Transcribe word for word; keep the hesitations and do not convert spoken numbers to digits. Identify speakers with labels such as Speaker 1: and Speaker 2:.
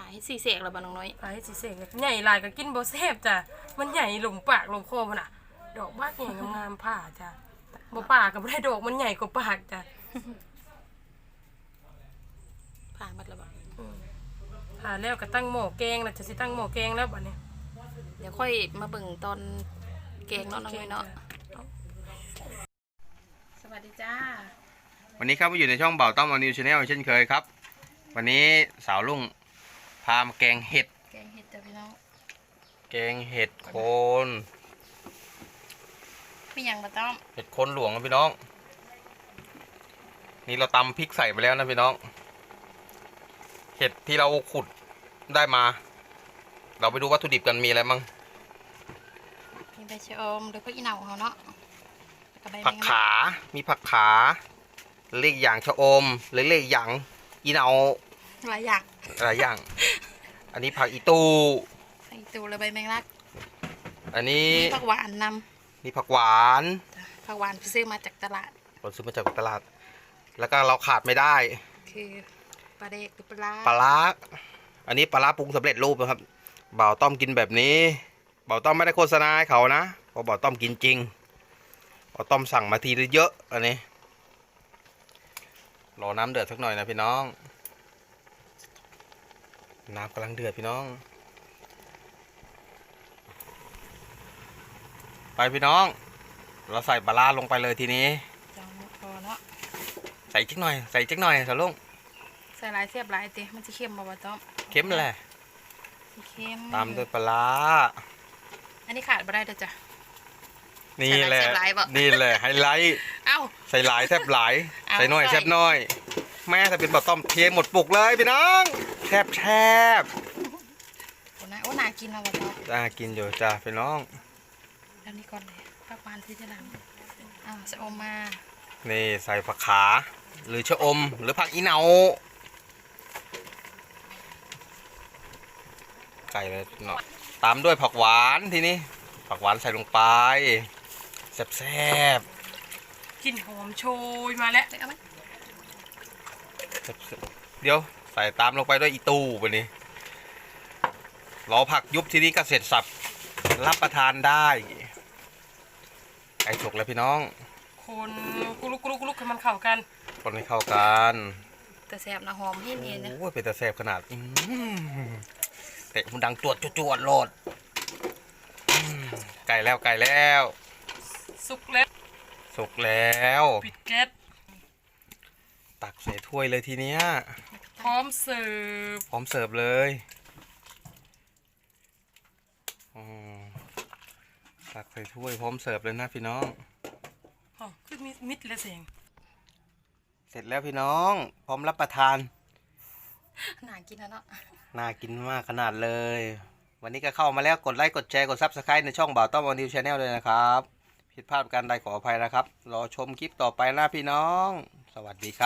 Speaker 1: ให้สีเสกแล้วบ่น้องน้อย
Speaker 2: ปลาให้สีเสกใหญ่ลายก็กินบ่แซ่บจ้ะมันใหญ่หลงปากหลงคอมันอ่ะดอกบักใหญ่งามๆผ่าจ้ะบ่ปากก็บ่ได้ดอกมันใหญ่กว่าปากจ้ะ
Speaker 1: ผ่าหมดแล้วบ่
Speaker 2: ผ่าแล้วก็ตั้งหม้อแกงแล้วจะสิตั้งหม้อแกงแล้วบัดนี้
Speaker 1: เดี๋ยวค่อยมาเบิ่งตอนแกงเนาะน้องน้อยเนาะสวัสดีจ้า
Speaker 3: วันนี้ครับมาอยู่ในช่องเบาต้อมอนิวชาแนลเช่นเคยครับวันนี้สาวลุงพามาแกงเห็ด
Speaker 1: แกงเห็ดจ้ะพี่น้อง
Speaker 3: แกงเห็ดโคน
Speaker 1: มีหยังบ่ต้อม
Speaker 3: เห็ดโคนหลวงนะพี่น้องนี่เราตำพริกใส่ไปแล้วนะพี่น้องเห็ดที่เราขุดได้มาเราไปดูวัตถุดิบกันมีอะไรมั่ง
Speaker 1: มีใบชะอมหรือพวกอีเหนาเขาเนาะ
Speaker 3: ผักขามีผักขาเรียกอย่างชะอมหรือเรียกอย่างอีเหนา
Speaker 1: หลายอย่าง
Speaker 3: หลายอย่างอันนี้ผักอีตู
Speaker 1: ผักอีตูและใบแมงลัก
Speaker 3: อันนี้
Speaker 1: มีผักหวานน
Speaker 3: ำมีผักหวาน
Speaker 1: ผักหวานซื้อมาจากตลาด
Speaker 3: เราซื้อมาจากตลาดแล้วก็เราขาดไม่ได้
Speaker 1: คือปลาเด็กหรือปลา
Speaker 3: ปลาอันนี้ปลาปรุงสำเร็จรูปนะครับบ่าวต้อมกินแบบนี้บ่าวต้อมไม่ได้โฆษณาให้เขานะเพราะบ่าวต้อมกินจริงบ่าวต้อมสั่งมาทีเยอะอันนี้รอน้ำเดือดสักหน่อยนะพี่น้องน้ำกำลังเดือดพี่น้องไปพี่น้องเราใส่ปลาลงไปเลยทีนี้
Speaker 1: จังพอเนาะ
Speaker 3: ใส่จิ๊กหน่อยใส่จิ๊กหน่อยสาวลุง
Speaker 1: ใส่หลายเสียบหลายเตะมันจะเค็มบ่บ่ต้อม
Speaker 3: เค็มแหละ
Speaker 1: เค็ม
Speaker 3: ตามด้วยปลา
Speaker 1: อันนี้ขาดบ่ได้เด้อจ้ะ
Speaker 3: นี่แหละนี่แหละไฮไลท์
Speaker 1: เอ้า
Speaker 3: ใส่หลายแทบหลายใส่น้อยแทบน้อยแม่ถ้าเป็นบ่าวต้อมเทหมดปุกเลยพี่น้องแทบแทบ
Speaker 1: โอ้น่าโอ้น่ากินเอาบ่ต้อม
Speaker 3: น่ากินอยู่จ้าพี่น้อง
Speaker 1: แล้วนี่ก่อนเลยผักหวานที่จะหลังอ้าวชะอมมา
Speaker 3: นี่ใส่ผักขาหรือชะอมหรือผักอีเหนาไก่เลยเนาะตามด้วยผักหวานทีนี้ผักหวานใส่ลงไปแซ่บ
Speaker 2: ๆกลิ่นหอมโชยมาแล้ว
Speaker 1: เอาไหม
Speaker 3: เดี๋ยวใส่ตามลงไปด้วยอีตูไปนี่รอผักยุบทีนี้ก็เสร็จสับรับประทานได้ไก่สุกแล้วพี่น้อง
Speaker 2: คนกุลุกกุลุกกุลุกให้มันเข้ากัน
Speaker 3: คนให้เข้ากัน
Speaker 1: แต่แซ่บนะหอมให้เนียนนะ
Speaker 3: โอ้ยเป็นแต่แซ่บขนาดเตะมันดังจวดจวดโลดไก่แล้วไก่แล้ว
Speaker 2: สุกแล้ว
Speaker 3: สุกแล้ว
Speaker 2: ปิดแก๊ส
Speaker 3: ตักใส่ถ้วยเลยทีเนี้ย
Speaker 2: พร้อมเสิร์ฟ
Speaker 3: พร้อมเสิร์ฟเลยตักใส่ถ้วยพร้อมเสิร์ฟเลยนะพี่น้อง
Speaker 2: อ๋อคือมิดมิดเลยเสียง
Speaker 3: เสร็จแล้วพี่น้องพร้อมรับประทาน
Speaker 1: น่ากินนะเนาะ
Speaker 3: น่ากินมากขนาดเลยวันนี้ก็เข้ามาแล้วกดไลค์กดแชร์กดซับสไครต์ในช่องบ่าวต้อมอนิวชาแนลเลยนะครับผิดพลาดการใดขออภัยนะครับรอชมคลิปต่อไปนะพี่น้องสวัสดีครับ